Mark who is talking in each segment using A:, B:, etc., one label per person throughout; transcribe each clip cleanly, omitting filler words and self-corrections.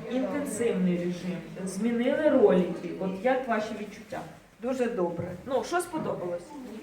A: інтенсивний режим, змінили ролики. От як ваші відчуття?
B: Дуже добре.
A: Ну, що сподобалось?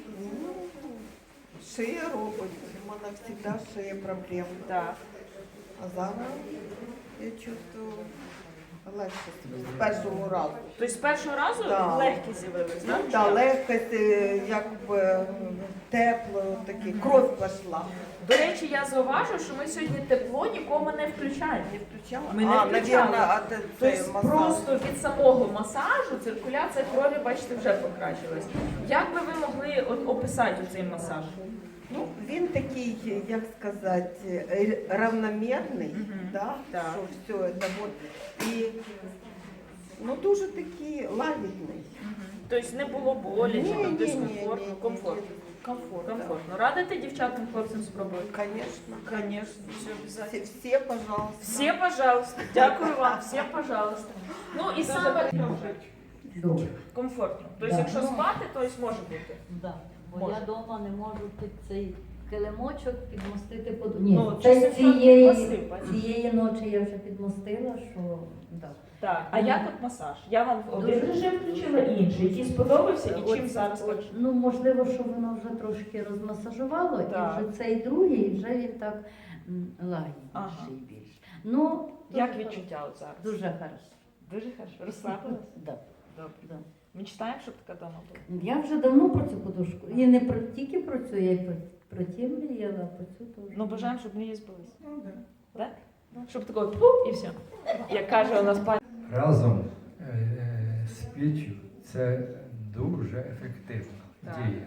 B: Шия робить, у мене завжди шия проблем.
A: Так.
B: А зараз я чувствую легше з першого разу.
A: Тобто з першого разу
B: Да.
A: легкі з'явились, так?
B: Так, легкость, якби тепло, таке, кров пішла.
A: До речі, я зауважу, що ми сьогодні тепло нікому не включаємо.
B: Не включала?
A: Ми не включали.
B: наверное, цей
A: Тобто просто від самого масажу циркуляція крові, бачите, вже покращилась. Як би ви могли от описати цей масаж?
B: Ну, він такий, як сказати, равномірний, да?
A: Так.
B: Що все це вот. І ну, дуже такий лагідний.
A: Тобто не було болі, чи там дискомфортно,
B: ні.
A: комфортно. Комфортно. Радите дівчатам, хлопцям спробувати?
B: Конечно.
A: Конечно, все обов'язково.
B: Все, пожалуйста.
A: Все, пожалуйста. Дякую вам, все, пожалуйста. Ну і саме
C: Добре.
A: комфортно. Тобто,
C: Да.
A: якщо спати, то ось може бути.
C: Да. Бо
A: Може.
C: я вдома не можу під цей килимочок підмостити подушку. Ні,
A: Ну,
C: це
A: часом
C: цієї
A: підмостив, бачиш.
C: ночі я вже підмостила, що да.
A: Так, а як от масаж? Я вам один режим включила інший, який сподобався і чим зараз легше?
C: Ну, можливо, що воно вже трошки розмасажувало,
A: Так.
C: і вже цей другий, вже він так лагідніший
A: Ага.
C: більш. Ну,
A: Як
C: дуже
A: відчуття от зараз?
C: Дуже хорошо.
A: Дуже хорошо. Розслабилась?
C: Да.
A: Добре.
C: Да.
A: Мечтаємо, щоб така дома була.
C: Я вже давно про цю подушку. І не про, тільки про цю, я й про ті мріяла, про цю теж.
A: Ну, бажаємо, щоб мрії збулися.
B: Ну, да.
A: Так? Щоб такого пуп і все. Як каже у нас пані.
D: Разом з піччю це дуже ефективно
A: Так.
D: діє.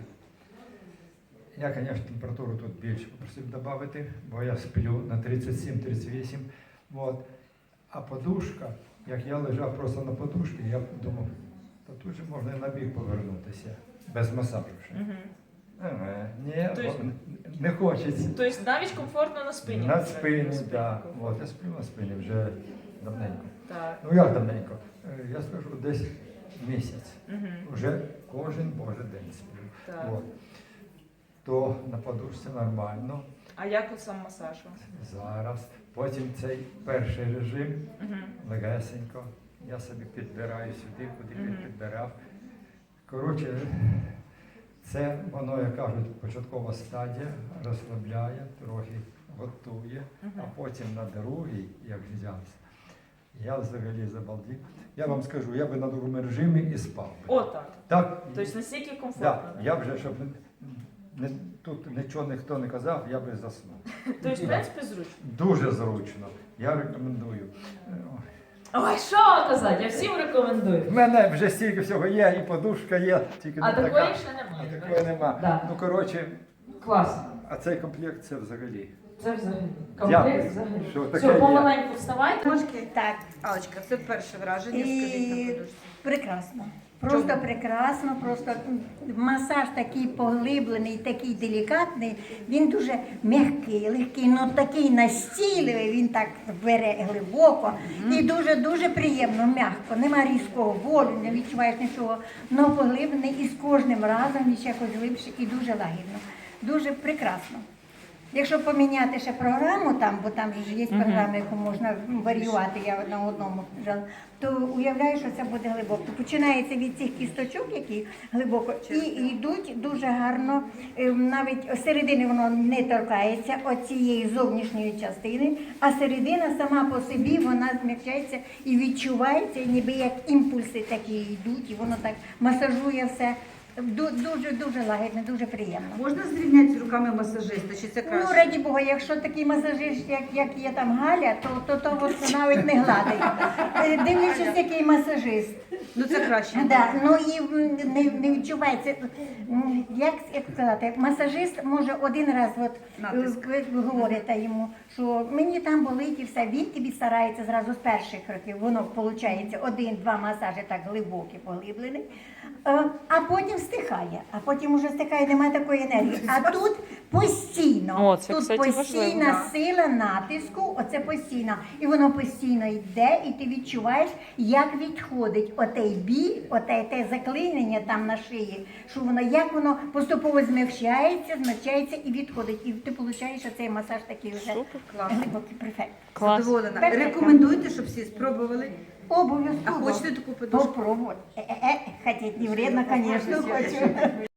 D: Я, звісно, температуру тут більше попросив додати, бо я сплю на 37-38. От. А подушка, як я лежав просто на подушці, я думав, то тут же можна і на бік повернутися, без масажу ще. Ні,
A: Тобто-
D: не хочеться.
A: Тобто навіть комфортно на спині.
D: На спині,
A: На
D: так.
A: спинку.
D: От, я сплю на спині вже давненько.
A: Так.
D: Ну як давненько? Я скажу, десь місяць.
A: Мгм.
D: Вже кожен божий день сплю.
A: Так.
D: От. То на подушці нормально.
A: А як от сам масаж?
D: Зараз. Потім цей перший режим
A: Мгм.
D: легесенько. Я собі підбираю сюди, куди
A: Мгм.
D: підбирав. Коротше, це воно, як кажуть, початкова стадія, розслабляє, трохи готує,
A: Мгм.
D: а потім на другий, як взявся, я взагалі забалдів. Я вам скажу, я би на другому режимі і спав би.
A: Отак.
D: Так,
A: Тобто настільки
D: да,
A: комфортно.
D: я вже, щоб тут нічого ніхто не казав, я би заснув.
A: Тобто, в принципі, зручно.
D: Дуже зручно. Я рекомендую.
A: Ой, що казати, я всім рекомендую.
D: В мене вже стільки всього є, і подушка є, тільки
A: А
D: не така.
A: такої ще
D: А
A: немає.
D: такої нема.
A: Да.
D: Ну, коротше,
A: Класно.
D: а цей комплект це взагалі.
A: Це взагалі.
D: Дякую,
A: Комплект взагалі.
D: що таке
A: Все,
D: є.
A: помаленьку вставайте.
E: Трошки так.
F: Алочка, це перше враження, скажіть на
E: І
F: подушці.
E: прекрасно. Просто прекрасно, просто масаж такий поглиблений, такий делікатний, він дуже м'який, легкий, але такий настійливий, він так бере глибоко і дуже-дуже приємно, м'яко. Нема різкого болю, не відчуваєш нічого, але поглиблений і з кожним разом він ще якось глибше і дуже лагідно. Дуже прекрасно. Якщо поміняти ще програму там, бо там ж є програми, яку можна варіювати, я на одному жала, то уявляю, що це буде глибоко. Починається від цих кісточок, які глибоко, і йдуть дуже гарно, навіть середини воно не торкається оцієї зовнішньої частини, а середина сама по собі вона змягчається і відчувається, ніби як імпульси такі йдуть, і воно так масажує все. Дуже лагідно, дуже приємно.
F: Можна зрівняти з руками масажиста, чи це
E: Ну,
F: краще?
E: раді Бога, якщо такий масажист, як є там Галя, то от навіть не гладить. Дивлячись, який масажист.
F: Ну це краще.
E: Да, ну і не відчувається, як сказати, масажист може один раз, от
F: Натиск.
E: ви говорите йому, що мені там болить і все, він тобі старається зразу з перших років, воно виходить один-два масажі так глибокі, поглиблені, а потім стихає, а потім уже стихає, немає такої енергії. А тут постійно,
A: О, це,
E: тут
A: кстати,
E: постійна
A: важливо.
E: сила натиску, оце постійно. І воно постійно йде, і ти відчуваєш, як відходить от отей біль, те заклинення там на шиї, що воно, як воно поступово змягчається і відходить. І ти отримуєш цей масаж такий вже
F: Класно.
E: глибокий, перфект.
F: Задоволена.
E: Перфектно.
F: Рекомендуйте, щоб всі спробували. А
E: Обов'язково.
F: хочете таку подушку?
E: Попробувати. Хотіть не вредно, звісно, хочу.